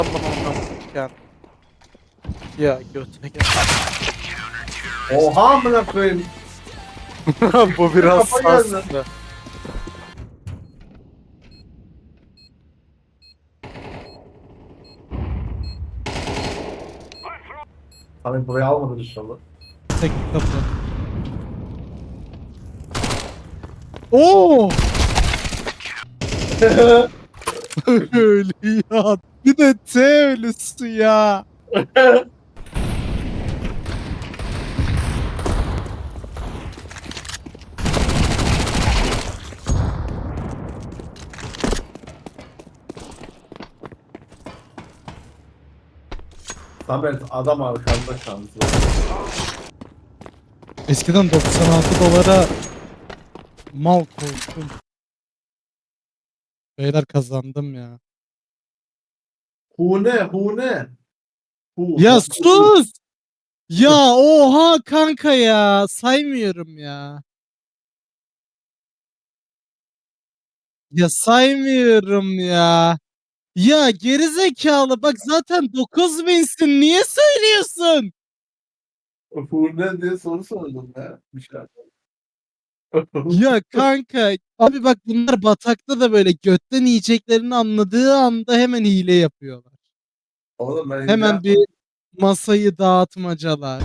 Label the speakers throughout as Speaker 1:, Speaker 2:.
Speaker 1: bana oynatırken. Ya götüne gel.
Speaker 2: Oha amına koyayım.
Speaker 1: Bu biraz
Speaker 2: Kafa geldi.
Speaker 1: sarsıntı.
Speaker 2: Abi burayı almadın inşallah.
Speaker 3: Tek kapı. Oo! Öyle ya. Bir de T ölüsü ya.
Speaker 2: Samet adam arkanda şansı.
Speaker 3: Eskiden 96 dolara mal koydum. Beyler kazandım ya.
Speaker 2: Hune. Hu.
Speaker 3: Ya sus! Ya oha kanka ya. Saymıyorum ya. Ya saymıyorum ya. Ya gerizekalı bak zaten 9000'sin niye söylüyorsun?
Speaker 2: Hune diye soru sordum ya. Bir şey.
Speaker 3: Ya kanka abi bak bunlar batakta da böyle götten yiyeceklerini anladığı anda hemen hile yapıyorlar.
Speaker 2: Oğlum ben
Speaker 3: Hemen bir masayı dağıtmacalar.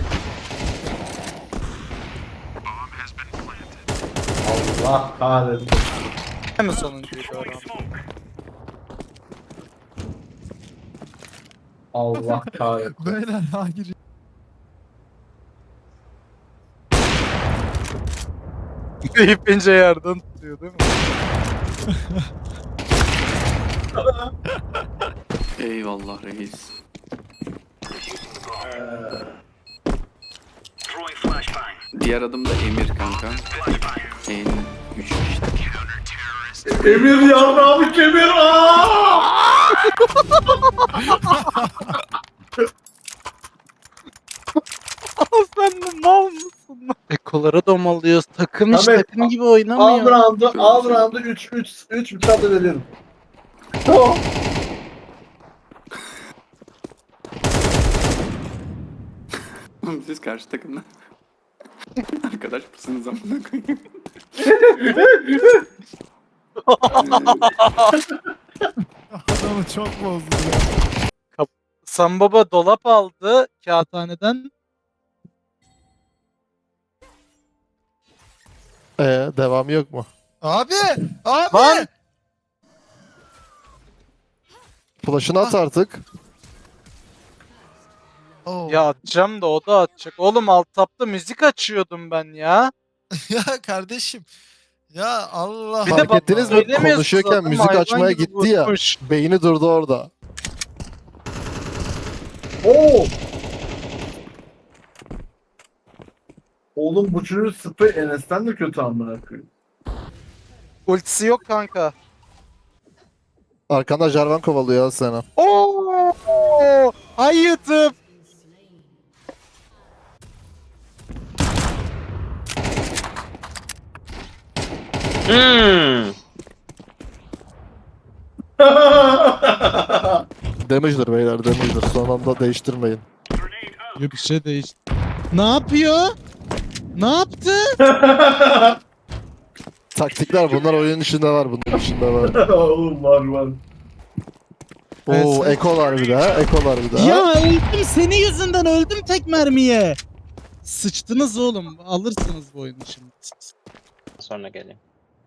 Speaker 2: Allah kahretsin.
Speaker 1: Hem sonuncuydu oran.
Speaker 2: Allah kahretsin.
Speaker 4: Beyler ha giriyor.
Speaker 1: İpince yerden tutuyor değil mi?
Speaker 5: Eyvallah reis. Diğer adım da Emir kanka. En 3 işte.
Speaker 2: Emir yarrağımı kemir.
Speaker 1: Sen de mal mısın lan? Ekolara domalıyoruz. Takım hiç
Speaker 2: Samet,
Speaker 1: takım gibi
Speaker 2: Al
Speaker 1: oynamıyor.
Speaker 2: round'u 3 bir tane veriyorum. Tamam.
Speaker 5: Siz karşı takımda. Arkadaş mısınız amına koyayım?
Speaker 4: Adamı çok bozdu ya.
Speaker 1: Sam Baba dolap aldı.
Speaker 3: Kağıthaneden
Speaker 6: Devamı yok mu?
Speaker 4: Abi! Abi!
Speaker 1: Lan!
Speaker 6: Flash'ını at artık.
Speaker 4: Oo.
Speaker 1: Ya atacağım da o da atacak. Oğlum alt tapta müzik açıyordum ben ya.
Speaker 4: Ya kardeşim. Ya Allah
Speaker 1: Bir de
Speaker 6: Fark
Speaker 1: bak-
Speaker 6: ettiniz mi?
Speaker 1: söylemiyorsunuz
Speaker 6: Konuşuyorken
Speaker 1: adam
Speaker 6: müzik
Speaker 1: hayvan
Speaker 6: açmaya
Speaker 1: gibi
Speaker 6: gitti ya.
Speaker 1: vurmuş.
Speaker 6: Beyni durdu orada.
Speaker 2: Oo. Oğlum bu çocuğun sprey Enes'ten de kötü amına koyayım.
Speaker 1: Ultisi yok kanka.
Speaker 6: Arkanda Jarvan kovalıyor ya seni.
Speaker 1: Oo! Hayıtım.
Speaker 6: Damage'dir beyler, damage'dir. Son anda değiştirmeyin.
Speaker 3: bir şey değişti. Ne yapıyor? Ne yaptı?
Speaker 6: Taktikler bunlar oyunun içinde var, bunun içinde var.
Speaker 2: Oğlum var.
Speaker 6: Oo,
Speaker 3: Evet.
Speaker 6: ekolar bir daha, ekolar bir daha.
Speaker 3: Ya öldüm senin yüzünden öldüm tek mermiye. Sıçtınız oğlum. Alırsınız bu oyunu şimdi.
Speaker 7: Sonra geleyim.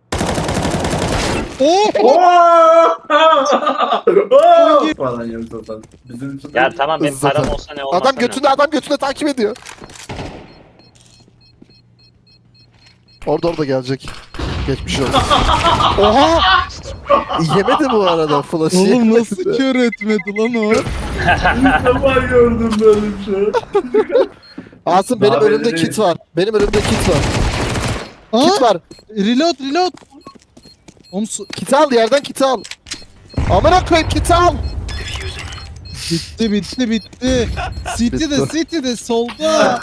Speaker 3: Oh!
Speaker 2: Falan yok zaten. Bizim için
Speaker 7: Ya tamam benim
Speaker 6: Zaten.
Speaker 7: param olsa ne olmasa
Speaker 6: Adam
Speaker 7: ne?
Speaker 6: götünde, adam götünde takip ediyor. Orada gelecek. Geçmiş olsun. Oha! Yemedi bu arada flash'ı.
Speaker 3: Oğlum nasıl kör etmedi lan o?
Speaker 2: ilk defa gördüm böyle bir şey.
Speaker 6: Asım benim
Speaker 2: Daha
Speaker 6: önümde
Speaker 2: belli
Speaker 6: kit var. Benim önümde kit var.
Speaker 3: Aa,
Speaker 6: Kit var.
Speaker 3: reload. Oğlum
Speaker 6: Kit al, yerden kit al. Amına koyayım, kit al.
Speaker 3: bitti. City'de solda.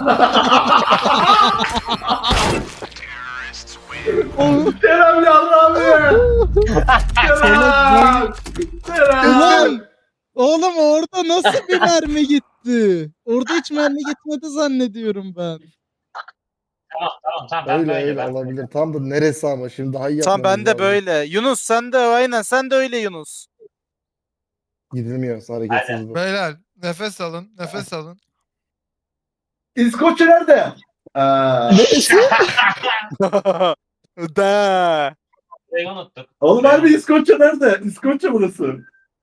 Speaker 2: Kerem yarrağımı ye. Kerem.
Speaker 3: Ulan Oğlum orada nasıl bir mermi gitti? Orada hiç mermi gitmedi zannediyorum ben.
Speaker 7: Tamam ben
Speaker 6: Öyle
Speaker 7: böyle
Speaker 6: öyle
Speaker 7: ben.
Speaker 6: olabilir. Tam da neresi ama şimdi daha iyi
Speaker 1: Tamam
Speaker 6: yapmamız
Speaker 1: ben de
Speaker 6: lazım.
Speaker 1: böyle. Yunus sen de aynen sen de öyle Yunus.
Speaker 6: Gidilmiyor hareketsiz bu.
Speaker 4: Beyler nefes alın. Nefes alın.
Speaker 2: İskoçya nerede?
Speaker 6: Neresi?
Speaker 1: Da.
Speaker 7: Burayı unuttuk.
Speaker 2: Oğlum harbi İskoçya nerede? İskoçya burası.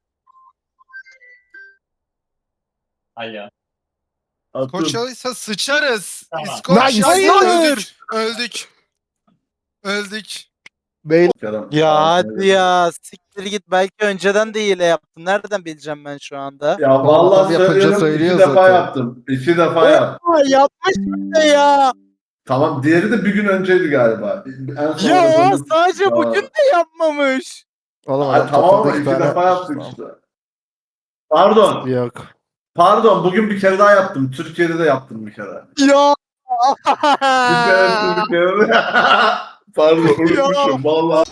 Speaker 7: Alo.
Speaker 2: Attım.
Speaker 4: Koçalıysa sıçarız.
Speaker 7: Tamam.
Speaker 4: İskoçya
Speaker 6: Nice.
Speaker 4: öldük. Öldük. Öldük.
Speaker 6: Beyler
Speaker 2: Kerem.
Speaker 1: Ya
Speaker 2: Aa,
Speaker 1: hadi ya siktir git belki önceden de hile yaptın. Nereden bileceğim ben şu anda?
Speaker 2: Ya
Speaker 6: Adam
Speaker 2: vallahi
Speaker 6: yapınca
Speaker 2: söylüyorum,
Speaker 6: söylüyor
Speaker 2: 2 defa
Speaker 6: zaten.
Speaker 2: yaptım. 2 defa yaptım.
Speaker 1: Aa, yapmış bir de ya.
Speaker 2: Tamam, diğeri de bir gün önceydi galiba. En son
Speaker 1: Ya
Speaker 2: aradığımız-
Speaker 1: sadece
Speaker 2: Ya.
Speaker 1: bugün de yapmamış.
Speaker 6: oğlum
Speaker 2: Ay,
Speaker 6: adam
Speaker 2: tamam ama
Speaker 6: toplamda
Speaker 2: 2
Speaker 6: iki tane
Speaker 2: defa
Speaker 6: yapmış.
Speaker 2: yaptık işte. Pardon.
Speaker 6: Yok.
Speaker 2: Pardon, bugün bir kere daha yaptım. Türkiye'de de yaptım bir kere.
Speaker 1: Ya.
Speaker 2: Bir kere Türkiye'de. Pardon, unutmuşum vallahi.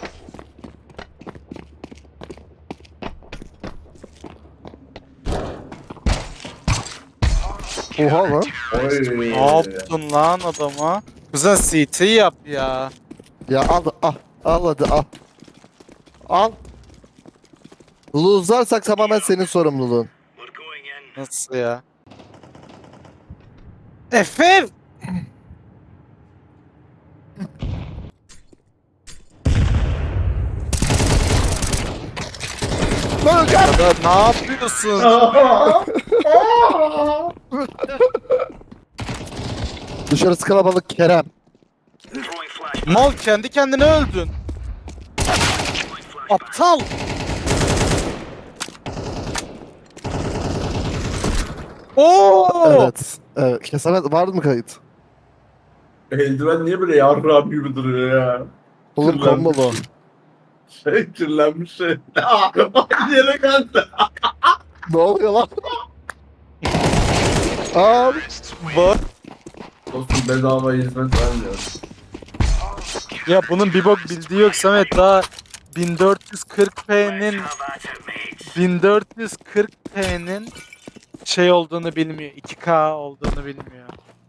Speaker 6: Oha lan.
Speaker 2: Oy.
Speaker 1: Ne yaptın lan adama? Kuzen CT yap ya.
Speaker 6: Ya al. Al hadi al. Al. Lose'larsak tamamen senin sorumluluğun.
Speaker 1: Nasıl ya? Efe! Ya da ne yapıyorsun?
Speaker 6: Dışarısı kalabalık Kerem.
Speaker 1: Mal kendi kendine öldün. Aptal. Oo!
Speaker 6: Evet. Evet. Kesamet vardı mı kayıt?
Speaker 2: Eldiven niye böyle yarrağım gibi duruyor ya?
Speaker 6: Oğlum
Speaker 2: Kirlenmiş.
Speaker 6: kombolu.
Speaker 2: Kirlenmiş şey. Aynı yere geldi.
Speaker 6: Ne oluyor lan? Al.
Speaker 1: Bak.
Speaker 2: Dostum bedava hizmet vermiyor.
Speaker 1: Ya bunun bir bok bildiği yok Samet daha 1440p'nin şey olduğunu bilmiyor. 2K olduğunu bilmiyor.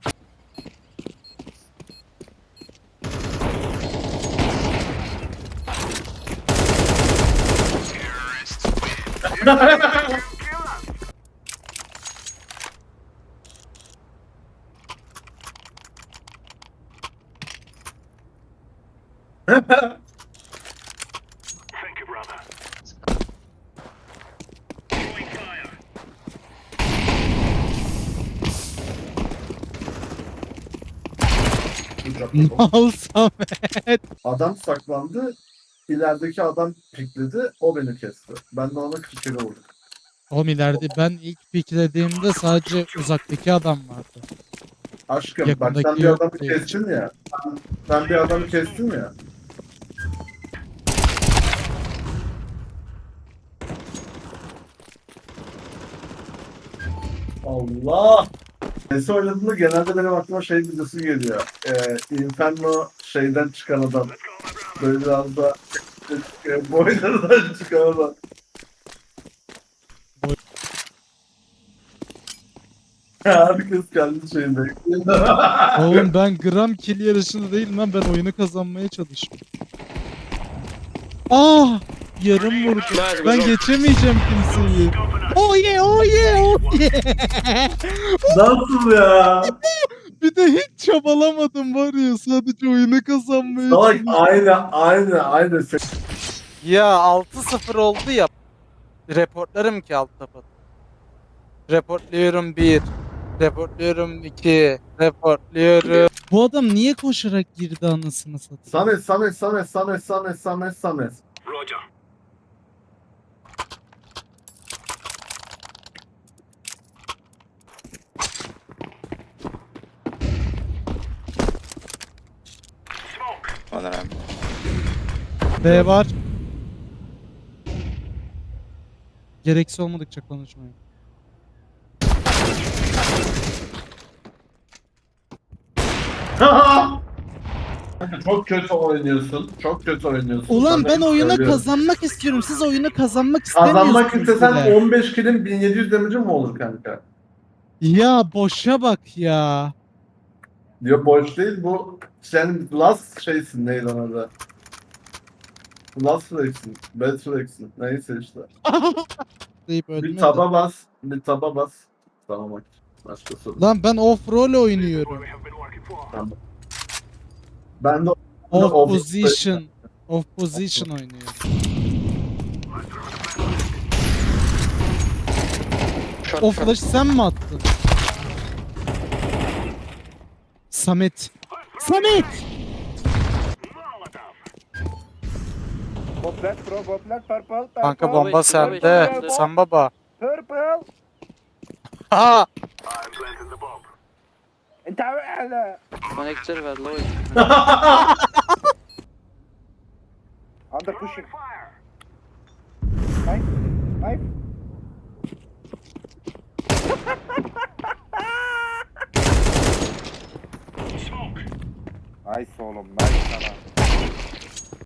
Speaker 3: Mal Samet.
Speaker 2: Adam saklandı. İlerideki adam pikledi. O beni kesti. Ben de ona 40 kere vurdum.
Speaker 3: Oğlum ileride ben ilk piklediğimde sadece uzaktaki adam vardı.
Speaker 2: Aşkım bak
Speaker 3: Yakındaki
Speaker 2: sen bir
Speaker 3: yok
Speaker 2: adamı
Speaker 3: değil.
Speaker 2: kestin ya. Sen bir adamı kestin ya. Allah! Nesi oynadığında genelde benim aklıma şey videosu geliyor. Inferno şeyden çıkan adam. Böyle biraz da boylardan çıkan adam. Herkes kendi şeyinde.
Speaker 3: Oğlum ben gram kill yarışında değilim lan, ben oyunu kazanmaya çalışıyorum. Ah! Yarım vurdu. Ben geçemeyeceğim kimseyi. Oh yeah, oh yeah, oh yeah.
Speaker 2: Nasıl ya?
Speaker 3: Bir de hiç çabalamadım var ya, sadece oyunu kazanmaya
Speaker 2: Salak
Speaker 3: çalışıyorum.
Speaker 2: aynı.
Speaker 1: Ya 6-0 oldu ya. Reportlarım ki alt tapat. Reportluyorum 1. Reportluyorum 2. Reportluyorum.
Speaker 3: Bu adam niye koşarak girdi anasını satayım?
Speaker 2: Samet.
Speaker 3: B var. Gereksiz olmadıkça konuşmayın.
Speaker 2: Çok kötü oynuyorsun. Çok kötü oynuyorsun.
Speaker 3: Ulan
Speaker 2: Sana
Speaker 3: ben
Speaker 2: hep
Speaker 3: oyuna
Speaker 2: söylüyorum.
Speaker 3: kazanmak istiyorum. Siz oyunu kazanmak istemiyorsunuz.
Speaker 2: Kazanmak istesen
Speaker 3: bile.
Speaker 2: 15 kilin 1700 damage'ı mı olur kanka?
Speaker 3: Ya boşa bak ya.
Speaker 2: Diyor boş değil bu. Sen last şeysin neydi ona da. Last flex'in. Bad flex'in. Neyse işte.
Speaker 3: Deyip
Speaker 2: Bir
Speaker 3: ölmedi.
Speaker 2: taba bas. Bir taba bas. Tamam bak. Başka soru.
Speaker 3: Lan ben off role oynuyorum.
Speaker 2: Tamam. Ben de
Speaker 3: Off
Speaker 2: off-
Speaker 3: position. Off position oynuyorum. O flash'ı sen mi attın? Samet. Samet!
Speaker 1: Kanka bomba sende. Sen baba. Ha!
Speaker 5: Connector ver low.
Speaker 8: Under pushing. Nice oğlum, nice sana.